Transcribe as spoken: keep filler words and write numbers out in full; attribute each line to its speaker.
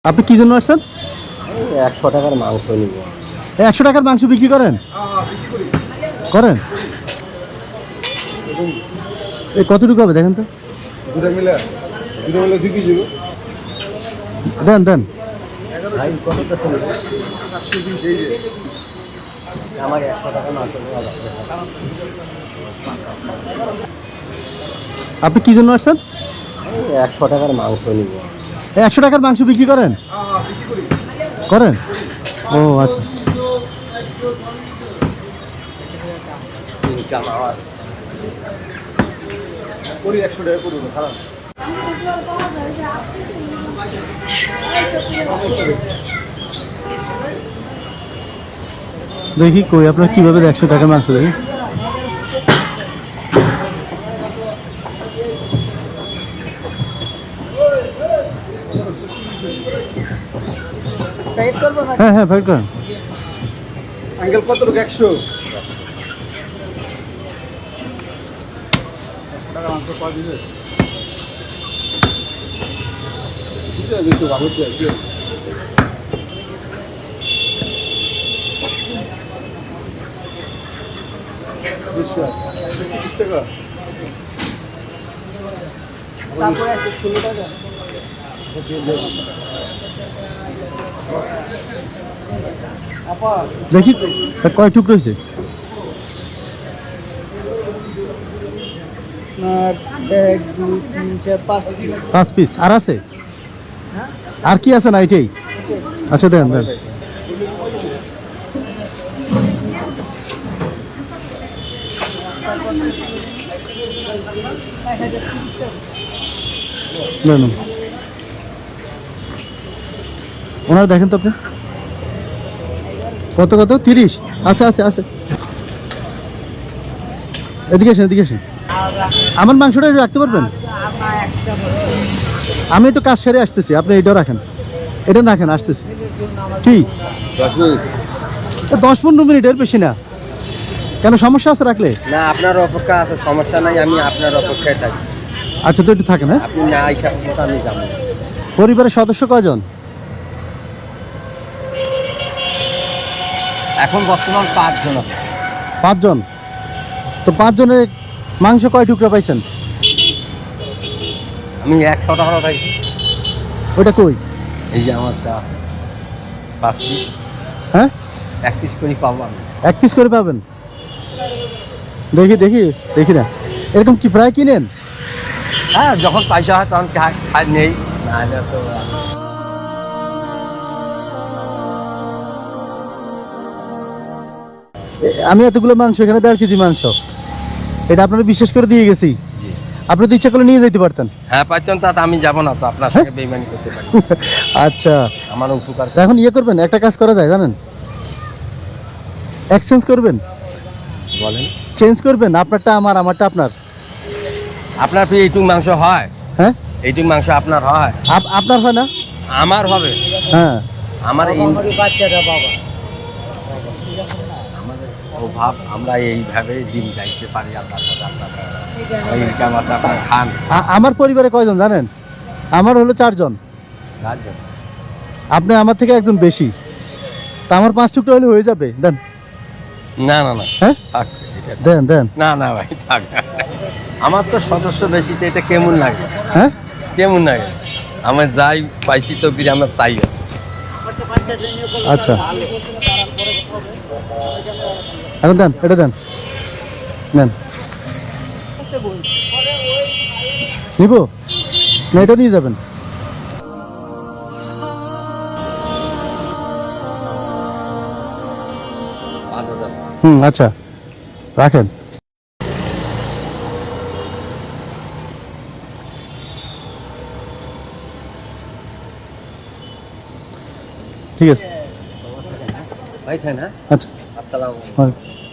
Speaker 1: আপনি কি জন্য আসছেন?
Speaker 2: একশো টাকার মাংস নিব।
Speaker 1: একশো টাকার মাংস বিক্রি করেন? করেন। এই কতটুকু হবে দেখেন তো।
Speaker 3: দুটো মিলে দুটো মিলে দুই কেজি
Speaker 1: দেন দেন।
Speaker 2: ভাই কত আছে আমার একশো টাকা মাংস নেওয়া যাবে।
Speaker 1: আপনি কি জন্য আসছেন?
Speaker 2: একশো টাকার মাংস নিব।
Speaker 1: একশো টাকার মাংস বিক্রি করেন? করেন। ও আচ্ছা।
Speaker 3: করি একশো টাকা করবো খারাপ।
Speaker 1: দেখি কই আপনার কিভাবে একশো টাকার মাংস দেখি। হ্যাঁ হ্যাঁ ফাইট করেন।
Speaker 3: আঙ্কেল কত টাকা? একশো টাকা মাংস পাওয়া দিবে। ঠিক আছে একটু ভালো চাই। তিরিশ টাকা
Speaker 2: তারপরে একশো ষোলো টাকা।
Speaker 1: দেখি কয় টুকরো হয়েছে।
Speaker 2: এক দুই তিন চার পাঁচ পিস।
Speaker 1: পাঁচ পিস আর আছে? আর কি আছে না এটাই? আচ্ছা দেন দেন। না না ওনার দেখেন তো আপনি কত কত? তিরিশ আছে আছে আছে। এদিকে আসেন এদিকে আসেন। আমার মাংসটা একটু রাখতে পারবেন? আমি একটু কাজ সেরে আসতেছি, আপনি এটাও রাখেন। এটা রাখেন, আসতেছি। কি
Speaker 3: দশ মিনিট?
Speaker 1: দশ পনেরো মিনিট, এর বেশি না। কেন সমস্যা আছে রাখলে?
Speaker 2: না আপনার অপেক্ষা আছে, সমস্যা নাই, আমি আপনার অপেক্ষায় থাকি।
Speaker 1: আচ্ছা তো একটু থাকেন। হ্যাঁ
Speaker 2: আপনি না আইসা পর্যন্ত আমি যাবো।
Speaker 1: পরিবারের সদস্য কয়জন?
Speaker 2: এখন বর্তমান পাঁচজন আছে।
Speaker 1: পাঁচজন? তো পাঁচজনের মাংস কয় টুকরা পাইছেন?
Speaker 2: আমি একশো টাকা পাইছি।
Speaker 1: ওটা কই?
Speaker 2: এই যে আমারটা পাঁচ পিস।
Speaker 1: হ্যাঁ
Speaker 2: এক পিস করে পাবো আমি।
Speaker 1: এক পিস করে পাবেন? দেখি দেখি দেখি না, এরকম কি প্রায় কিনেন?
Speaker 2: হ্যাঁ যখন পয়সা হয় তখন খা- খাই নেই, নাহলে তো
Speaker 1: এ- আমি এতগুলো মাংস, এখানে দেড় কেজি মাংস, এটা আপনারা বিশেষ করে দিয়ে গেছি।
Speaker 2: জি।
Speaker 1: আপনি তো ইচ্ছা করলে নিয়ে যেতে পারতেন।
Speaker 2: হ্যাঁ পাইতাম, তা আমি যাবো না তো, আপনার সঙ্গে বেইমানি করতে পারি।
Speaker 1: আচ্ছা
Speaker 2: আমার উপকার
Speaker 1: তা এখন ইয়ে করবেন, একটা কাজ করা যায় জানেন, এক্সচেঞ্জ করবেন,
Speaker 2: বলেন।
Speaker 1: চেঞ্জ করবেন, আপনারটা আমার, আমারটা আপনার।
Speaker 2: আপনার কি এইটুক মাংস হয়?
Speaker 1: হ্যাঁ
Speaker 2: এইটুক মাংস আপনার হয়?
Speaker 1: আপ- আপনার হয় না?
Speaker 2: আমার হবে।
Speaker 1: হ্যাঁ
Speaker 2: আমার এই বাচ্চাটা বাবা আমাদের অভাব, আমরা এইভাবে দিন যাইতে পারি। আল্লাহ ইনকাম আছে, আপনার খান।
Speaker 1: আ- আমার পরিবারে কয়জন জানেন? আমার হলো চারজন।
Speaker 2: চারজন?
Speaker 1: আপনি আমার থেকে একজন বেশি, তা আমার পাঁচ টুকরা হলে হয়ে যাবে। দেন।
Speaker 2: না না না
Speaker 1: হ্যাঁ
Speaker 2: থাক, এটা থাক।
Speaker 1: দেন দেন।
Speaker 2: না না ভাই থাক। আমার তো সদস্য বেশি, তো এটা কেমন লাগে?
Speaker 1: হ্যাঁ
Speaker 2: কেমন লাগে? আমার যাই পাইছি তো আমার তাই আছে।
Speaker 1: আচ্ছা এখন দেন, এটা দেন, নেন। নিব না, এটা নিয়ে যাবেন।
Speaker 2: পাঁচ হাজার।
Speaker 1: হুম আচ্ছা রাখেন। ঠিক আছে
Speaker 2: ভাই তাই না?
Speaker 1: আচ্ছা।
Speaker 2: আসসালামু আলাইকুম।
Speaker 1: ওয়ালাইকুম।